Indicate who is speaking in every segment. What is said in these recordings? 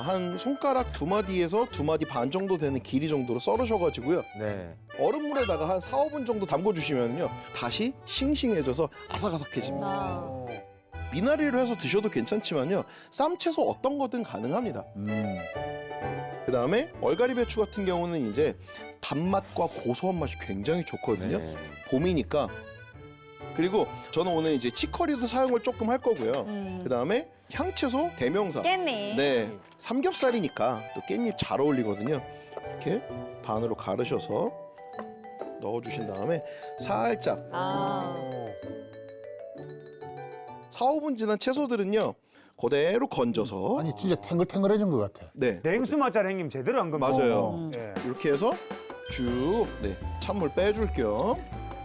Speaker 1: 한 손가락 2마디에서 2마디 반 정도 되는 길이 정도로 썰으셔가지고요.
Speaker 2: 네.
Speaker 1: 얼음물에다가 한 4, 5분 정도 담궈주시면요. 다시 싱싱해져서 아삭아삭해집니다.
Speaker 3: 아.
Speaker 1: 미나리로 해서 드셔도 괜찮지만요. 쌈채소 어떤 거든 가능합니다. 그 다음에 얼갈이 배추 같은 경우는 이제 단맛과 고소한 맛이 굉장히 좋거든요.
Speaker 2: 네.
Speaker 1: 봄이니까. 그리고 저는 오늘 이제 치커리도 사용을 조금 할 거고요. 그 다음에 향채소 대명사.
Speaker 3: 깻잎.
Speaker 1: 네, 삼겹살이니까 또 깻잎 잘 어울리거든요. 이렇게 반으로 가르셔서 넣어주신 다음에 살짝
Speaker 3: 아.
Speaker 1: 4, 5분 지난 채소들은요. 그대로 건져서
Speaker 4: 아니 진짜 탱글탱글해진 것 같아.
Speaker 1: 네,
Speaker 5: 냉수 맛잘 형님 제대로 한 겁니다.
Speaker 1: 맞아요.
Speaker 5: 예.
Speaker 1: 이렇게 해서 쭉 찬물 빼줄 겸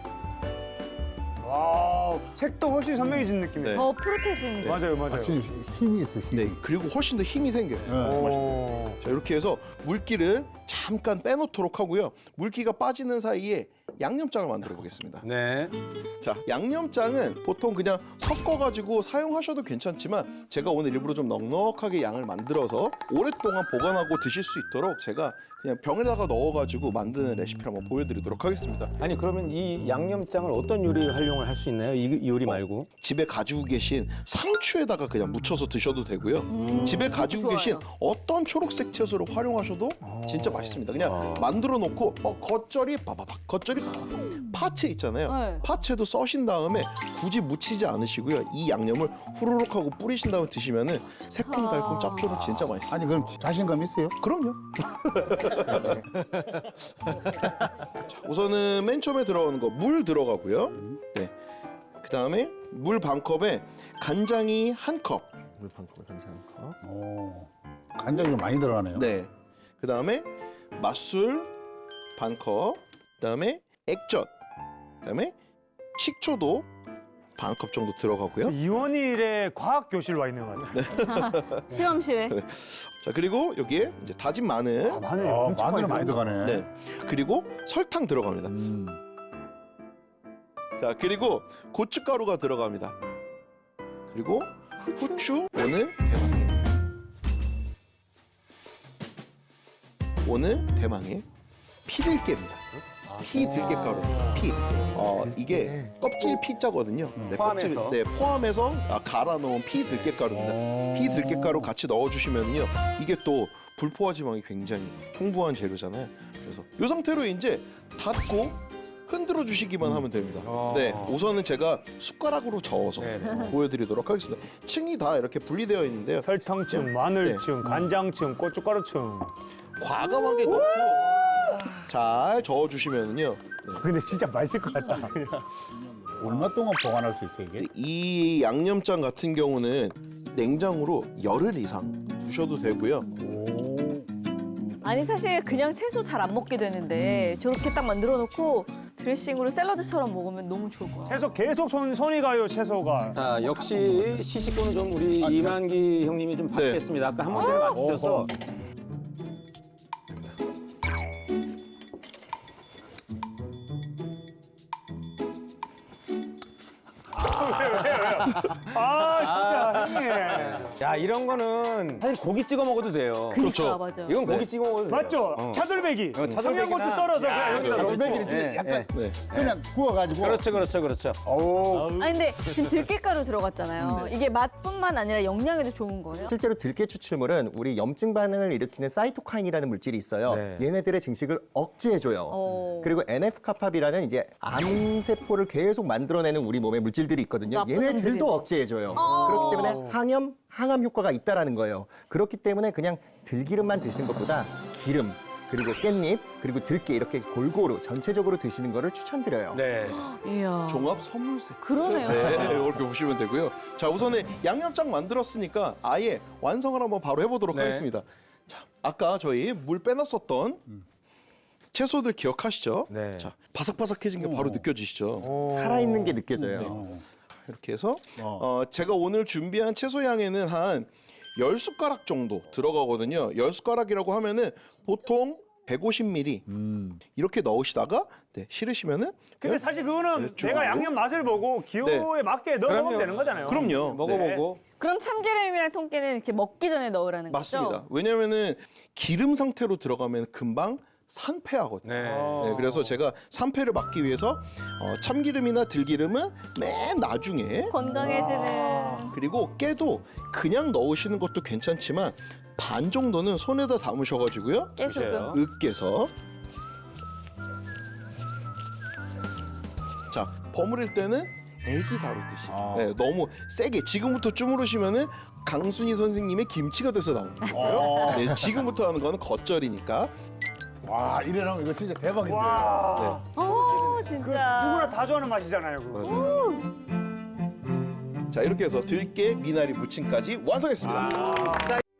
Speaker 5: 와, 색도 훨씬 선명해진 느낌이에요.
Speaker 1: 네.
Speaker 3: 더 푸릇해지는.
Speaker 5: 맞아요, 맞아요.
Speaker 4: 확실히 힘이 있어. 힘이.
Speaker 1: 네, 그리고 훨씬 더 힘이 생겨요.
Speaker 5: 오.
Speaker 1: 자, 이렇게 해서 물기를 잠깐 빼놓도록 하고요. 물기가 빠지는 사이에 양념장을 만들어 보겠습니다.
Speaker 2: 네.
Speaker 1: 자, 양념장은 보통 그냥 섞어가지고 사용하셔도 괜찮지만 제가 오늘 일부러 좀 넉넉하게 양을 만들어서 오랫동안 보관하고 드실 수 있도록 제가 그냥 병에다가 넣어가지고 만드는 레시피를 한번 보여드리도록 하겠습니다.
Speaker 2: 아니 그러면 이 양념장을 어떤 요리에 활용을 할 수 있나요? 이 요리 말고?
Speaker 1: 집에 가지고 계신 상추에다가 그냥 묻혀서 드셔도 되고요. 집에 가지고
Speaker 3: 좋아요.
Speaker 1: 계신 어떤 초록색 채소를 활용하셔도 진짜 맛있습니다. 그냥 만들어 놓고 겉절이 바바박 겉절이 바바박 파채 있잖아요.
Speaker 3: 네.
Speaker 1: 파채도 써신 다음에 굳이 묻히지 않으시고요. 이 양념을 후루룩 하고 뿌리신 다음에 드시면은 새콤달콤 짭조름 진짜 맛있어요.
Speaker 4: 아니 그럼 자신감 있어요?
Speaker 1: 그럼요. 자, 우선은 맨 처음에 들어가는 거 물 들어가고요. 네. 그 다음에 물 반 컵에 간장이 한 컵.
Speaker 2: 물 반컵 간장 한 컵.
Speaker 4: 오. 간장이 좀 많이 들어가네요.
Speaker 1: 네. 그 다음에 맛술 반 컵. 그 다음에 액젓. 그 다음에 식초도 반 컵 정도 들어가고요.
Speaker 5: 이원일의 과학 교실 와 있는 것 같아요.
Speaker 3: 실험실에.
Speaker 1: 자, 그리고 여기에 이제 다진 마늘.
Speaker 5: 마늘
Speaker 4: 아,
Speaker 5: 엄청
Speaker 4: 마늘 많이
Speaker 5: 들어가요.
Speaker 4: 들어가네.
Speaker 1: 네. 그리고 설탕 들어갑니다. 자, 그리고 고춧가루가 들어갑니다. 그리고 후추 오늘 대망의 피들깨입니다. 피들깨가루. 피. 이게 껍질 피자거든요. 네,
Speaker 2: 포함해서?
Speaker 1: 껍질, 네, 포함해서 갈아 놓은 피들깨가루입니다. 피들깨가루 같이 넣어주시면요, 이게 또 불포화 지방이 굉장히 풍부한 재료잖아요. 그래서 이 상태로 이제 닫고 흔들어 주시기만 하면 됩니다. 네, 우선은 제가 숟가락으로 저어서
Speaker 2: 네네.
Speaker 1: 보여드리도록 하겠습니다. 층이 다 이렇게 분리되어 있는데요.
Speaker 5: 설탕층, 마늘층, 간장층, 고춧가루층.
Speaker 1: 과감하게 넣고 잘 저어주시면요.
Speaker 5: 근데 진짜 맛있을 것 같다.
Speaker 4: 얼마 동안 보관할 수 있어 이게?
Speaker 1: 이 양념장 같은 경우는 냉장으로 열흘 이상 두셔도 되고요.
Speaker 3: 아니 사실 그냥 채소 잘 안 먹게 되는데 저렇게 딱 만들어 놓고 드레싱으로 샐러드처럼 먹으면 너무 좋을 것 같아요.
Speaker 5: 채소 계속 손이 가요, 채소가.
Speaker 2: 자, 역시 시식구는 좀 우리 이만기 형님이 좀 바뀌었습니다. 아까 한 번에 맞추셔서.
Speaker 5: 아, 진짜 형님.
Speaker 2: 야, 이런 거는 사실 고기 찍어 먹어도 돼요.
Speaker 1: 그렇죠.
Speaker 3: 맞아.
Speaker 2: 이건 고기 찍어 먹어도 돼요.
Speaker 5: 맞죠? 차돌배기.
Speaker 2: 차돌배기나-
Speaker 5: 청양고추 썰어서 그냥 여기다 넣고.
Speaker 4: 돌배기를
Speaker 2: 네,
Speaker 4: 약간
Speaker 1: 네.
Speaker 4: 그냥 구워가지고.
Speaker 2: 그렇죠.
Speaker 4: 오.
Speaker 3: 아니 근데 지금 들깨가루 들어갔잖아요. 이게 맛뿐만 아니라 영양에도 좋은 거예요?
Speaker 6: 실제로 들깨 추출물은 우리 염증 반응을 일으키는 사이토카인이라는 물질이 있어요.
Speaker 2: 네.
Speaker 6: 얘네들의 증식을 억제해줘요. 그리고 NF-카파비라는 이제 암세포를 계속 만들어내는 우리 몸의 물질들이 있거든요.
Speaker 3: 나쁜
Speaker 6: 얘네들도
Speaker 3: 놈들이네.
Speaker 6: 억제해줘요. 그렇기 때문에 항암 효과가 있다라는 거예요. 그렇기 때문에 그냥 들기름만 드시는 것보다 기름, 그리고 깻잎, 그리고 들깨 이렇게 골고루 전체적으로 드시는 거를 추천드려요.
Speaker 2: 네.
Speaker 3: 이야.
Speaker 1: 종합 선물 세트.
Speaker 3: 그러네요.
Speaker 1: 네, 이렇게 보시면 되고요. 자, 우선은 양념장 만들었으니까 아예 완성을 한번 바로 해보도록
Speaker 2: 네.
Speaker 1: 하겠습니다. 자, 아까 저희 물 빼놨었던 채소들 기억하시죠?
Speaker 2: 네.
Speaker 1: 자, 바삭바삭해진 게 바로 느껴지시죠?
Speaker 6: 살아있는 게 느껴져요.
Speaker 1: 이렇게 해서 제가 오늘 준비한 채소 양에는 한 10숟가락 정도 들어가거든요. 10숟가락이라고 하면은 보통 150ml 이렇게 넣으시다가 싫으시면은
Speaker 5: 근데 사실 그거는
Speaker 1: 네,
Speaker 5: 내가 양념 맛을 보고 기호에 맞게 넣어 먹으면
Speaker 2: 그럼요.
Speaker 5: 되는 거잖아요.
Speaker 1: 그럼요.
Speaker 2: 먹어보고.
Speaker 3: 그럼 참기름이랑 통깨는 이렇게 먹기 전에 넣으라는 거죠?
Speaker 1: 맞습니다. 왜냐면은 기름 상태로 들어가면 금방 상패하거든요.
Speaker 2: 네.
Speaker 1: 네, 그래서 제가 상패를 막기 위해서 참기름이나 들기름은 맨 나중에,
Speaker 3: 건강해지는.
Speaker 1: 그리고 깨도 그냥 넣으시는 것도 괜찮지만 반 정도는 손에다 담으셔가지고요.
Speaker 3: 깨소금.
Speaker 1: 으깨서. 자, 버무릴 때는 애기 다루듯이. 네, 너무 세게 지금부터 주무르시면은 강순희 선생님의 김치가 돼서 나오는 거예요. 네, 지금부터 하는 거는 겉절이니까.
Speaker 4: 와, 이래놓으면 이거 진짜 대박인데.
Speaker 5: 와.
Speaker 3: 진짜.
Speaker 5: 누구나 다 좋아하는 맛이잖아요. 그거.
Speaker 1: 자, 이렇게 해서 들깨 미나리 무침까지 완성했습니다.